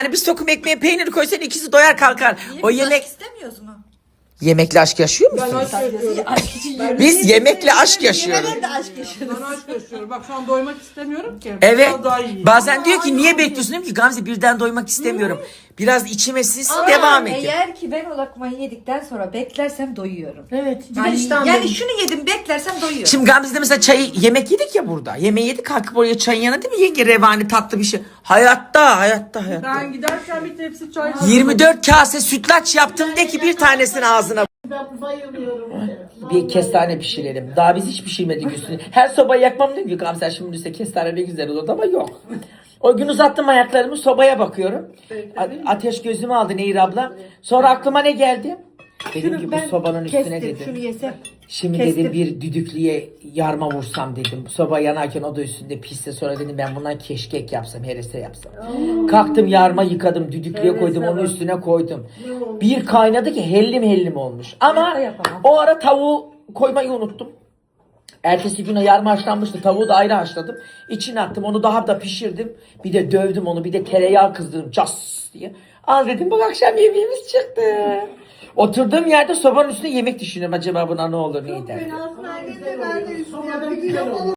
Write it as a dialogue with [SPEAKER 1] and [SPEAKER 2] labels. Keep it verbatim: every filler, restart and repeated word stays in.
[SPEAKER 1] Yani bir sokum ekmeğe peynir koysan ikisi doyar kalkar. O yemek...
[SPEAKER 2] istemiyoruz mu?
[SPEAKER 1] Yemekle aşk yaşıyor
[SPEAKER 3] Ben
[SPEAKER 1] musunuz?
[SPEAKER 3] aşk yaşıyorum. Ben,
[SPEAKER 1] Biz yemekle aşk yaşıyoruz.
[SPEAKER 2] Ben de aşk yaşıyorum.
[SPEAKER 3] ben aşk yaşıyorum. Bak şu an doymak istemiyorum ki.
[SPEAKER 1] Evet.
[SPEAKER 3] Biraz daha yiyeyim.
[SPEAKER 1] Bazen diyor ki niye bekliyorsun? Diyorum ki Gamze birden doymak istemiyorum. Biraz içime sinsin devam edin.
[SPEAKER 2] Eğer ki ben o lokmayı yedikten sonra beklersem doyuyorum.
[SPEAKER 3] Evet.
[SPEAKER 2] Yani, yani şunu yedim beklersem doyuyorum.
[SPEAKER 1] Şimdi Gamze'de mesela çayı yemek yedik ya burada. Yemeği yedik kalkıp oraya çayın yanına değil mi yenge revani tatlı bir şey. Hayatta hayatta hayatta.
[SPEAKER 3] Ben giderken bir tepsi çay.
[SPEAKER 1] yirmi dört kase sütlaç yaptım de ki bir tanesini ağzına.
[SPEAKER 4] Ben bayılıyorum.
[SPEAKER 1] Bir kestane pişirelim. Daha biz hiç pişirmedik üstüne. Her sobayı yakmam diyor ki Gamze şimdi üstüne kestane ne güzel olur ama yok. O gün uzattım ayaklarımı sobaya bakıyorum. A- ateş gözümü aldı Nehir abla. Sonra aklıma ne geldi? Dedim ki bu sobanın üstüne
[SPEAKER 2] kestim, şunu
[SPEAKER 1] dedim.
[SPEAKER 2] yesem.
[SPEAKER 1] Şimdi
[SPEAKER 2] kestim.
[SPEAKER 1] dedim bir düdüklüye yarma vursam dedim. Soba yanarken o da üstünde pişse sonra dedim ben bundan keşkek yapsam, herese yapsam. Kalktım yarma yıkadım, düdüklüye koydum, onun üstüne koydum. Bir kaynadı ki hellim hellim olmuş. Ama o ara tavuğu koymayı unuttum. Ertesi güne yarma haşlanmıştı. Tavuğu da ayrı haşladım. İçine attım. Onu daha da pişirdim. Bir de dövdüm onu. Bir de tereyağı kızdırdım. Cas diye. Al dedim bak akşam yemeğimiz çıktı. Oturduğum yerde sobanın üstünde yemek düşünüyorum. Acaba buna ne olur ne eder?
[SPEAKER 4] Sonradan güzel oldu.